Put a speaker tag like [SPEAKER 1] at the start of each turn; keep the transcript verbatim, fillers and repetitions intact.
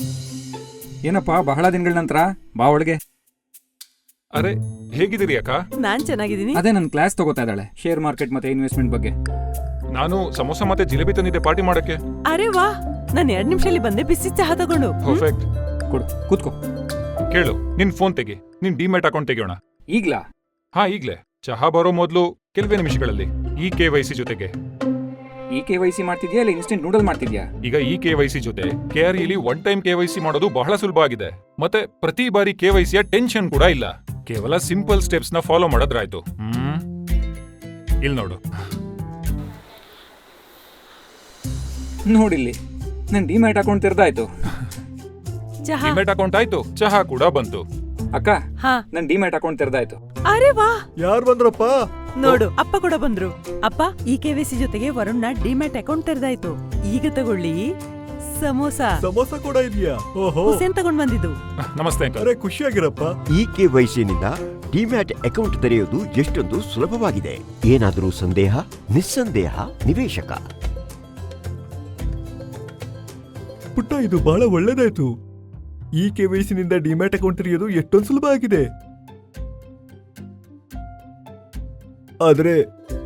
[SPEAKER 1] ಏನಪ್ಪಾ ಬಹಳ ದಿನಗಳ ನಂತರ ಬಾ ಒಳಗೆ.
[SPEAKER 2] ಅರೆ ಹೇಗಿದ್ದೀರಿ ಅಕ್ಕ?
[SPEAKER 3] ನಾನ್ ಚೆನ್ನಾಗಿದ್ದೀನಿ.
[SPEAKER 1] ಅದೇ ನನ್ನ ಕ್ಲಾಸ್ ತಗೋತಾ ಇದ್ದಾಳೆ ಶೇರ್ ಮಾರ್ಕೆಟ್ ಮತ್ತೆ ಇನ್ವೆಸ್ಟ್ಮೆಂಟ್ ಬಗ್ಗೆ.
[SPEAKER 2] ನಾನು ಸಮೋಸ ಮತ್ತೆ ಜಿಲೇಬಿ ತಂದಿದ್ದೆ ಪಾರ್ಟಿ ಮಾಡಕ್ಕೆ.
[SPEAKER 3] ಅರೆ ವಾ, ನಾನ್ ಎರಡ್ ನಿಮಿಷದಲ್ಲಿ ಬಂದೆ ಬಿಸಿ ಚಹಾ ತಗೊಂಡು.
[SPEAKER 2] ಪರ್ಫೆಕ್ಟ್.
[SPEAKER 1] ಕೊಡು ಕೂತ್ಕೋ.
[SPEAKER 2] ಕೇಳು, ನಿನ್ ಫೋನ್ ತೆಗಿ, ನಿನ್ ಡಿಮ್ಯಾಟ್ ಅಕೌಂಟ್ ತೆಗಿಯೋಣ.
[SPEAKER 1] ಈಗ್ಲಾ?
[SPEAKER 2] ಹಾ ಈಗ್ಲೇ. ಚಹಾ ಬರೋ ಮೊದಲು ಕೆಲವೇ ನಿಮಿಷಗಳಲ್ಲಿ ಈ ಕೆ ವೈ ಸಿ ಜೊತೆಗೆ.
[SPEAKER 1] ಈ ಕೆ ವೈ ಸಿ ಮಾಡ್ತಿದ್ಯಾ ಇಲ್ಲ ಇನ್ಸ್ಟೆಂಟ್ ನೂಡಲ್ ಮಾಡ್ತಿದ್ಯಾ?
[SPEAKER 2] ಈಗ ಈ ಕೆ ವೈ ಸಿ ಜೊತೆ ಕೆ ಆರ್ ಇಲಿ one time K Y C ಮಾಡೋದು ಬಹಳ ಸುಲಭ ಆಗಿದೆ. ಮತ್ತೆ ಪ್ರತಿ ಬಾರಿ ಕೆ ವೈ ಸಿಯ ಟೆನ್ಷನ್ ಕೂಡ ಇಲ್ಲ. ಕೇವಲ ಸಿಂಪಲ್ ಸ್ಟೆಪ್ಸ್ ನ ಫಾಲೋ ಮಾಡೋದ್ರಾಯ್ತು. ಹ್ಮ್ ಇಲ್ಲಿ ನೋಡು.
[SPEAKER 1] ನೋಡಿಲ್ಲಿ ನನ್ ಡಿಮ್ಯಾಟ್ ಅಕೌಂಟ್ ತೆರೆದಾಯ್ತು.
[SPEAKER 3] ಚಹಾ.
[SPEAKER 2] ಡಿಮ್ಯಾಟ್ ಅಕೌಂಟ್ ಆಯ್ತು, ಚಹಾ ಕೂಡ ಬಂತು.
[SPEAKER 1] ಅಕ್ಕ
[SPEAKER 3] ಹಾ.
[SPEAKER 1] ನನ್ ಡಿಮ್ಯಾಟ್ ಅಕೌಂಟ್ ತೆರೆದಾಯ್ತು.
[SPEAKER 3] ಅರೆ ವಾ,
[SPEAKER 4] ಯಾರ್ ಬಂದ್ರಪ್ಪ?
[SPEAKER 3] ನೋಡು ಅಪ್ಪ ಕೂಡ ಬಂದ್ರು. ಅಪ್ಪ, ಈ ಕೆವಿಸಿ ಜೊತೆಗೆ ವರುಣ್ನ ಡಿಮ್ಯಾಟ್ ಅಕೌಂಟ್ ತೆರೆದಾಯ್ತು. ಈಗ ತಗೊಳ್ಳಿ ಸಮೋಸ.
[SPEAKER 4] ಸಮೋಸ ಕೂಡ ಇದೆಯಾ? ಓಹೋ,
[SPEAKER 3] ಹುಸೇನ್ ತಗೊಂಡ್ ಬಂದಿದ್ದು.
[SPEAKER 2] ನಮಸ್ತೆ ಅಂಕಲ್.
[SPEAKER 4] ಅರೆ ಖುಷಿಯಾಗಿರಪ್ಪ.
[SPEAKER 5] ಈ ಕೆವೈಸಿನಿಂದ ಡಿಮ್ಯಾಟ್ ಅಕೌಂಟ್ ತೆರೆಯುವುದು ಎಷ್ಟೊಂದು ಸುಲಭವಾಗಿದೆ. ಏನಾದರೂ ಸಂದೇಹ? ನಿಸ್ಸಂದೇಹ ನಿವೇಶಕ.
[SPEAKER 4] ಪುಟ್ಟ, ಇದು ಬಹಳ ಒಳ್ಳೇದಾಯ್ತು. ಈ ಕೆವೈಸಿನಿಂದ ಡಿಮ್ಯಾಟ್ ಅಕೌಂಟ್ ತೆರೆಯೋದು ಎಷ್ಟೊಂದು ಸುಲಭ ಆಗಿದೆ. ಆದ್ರೆ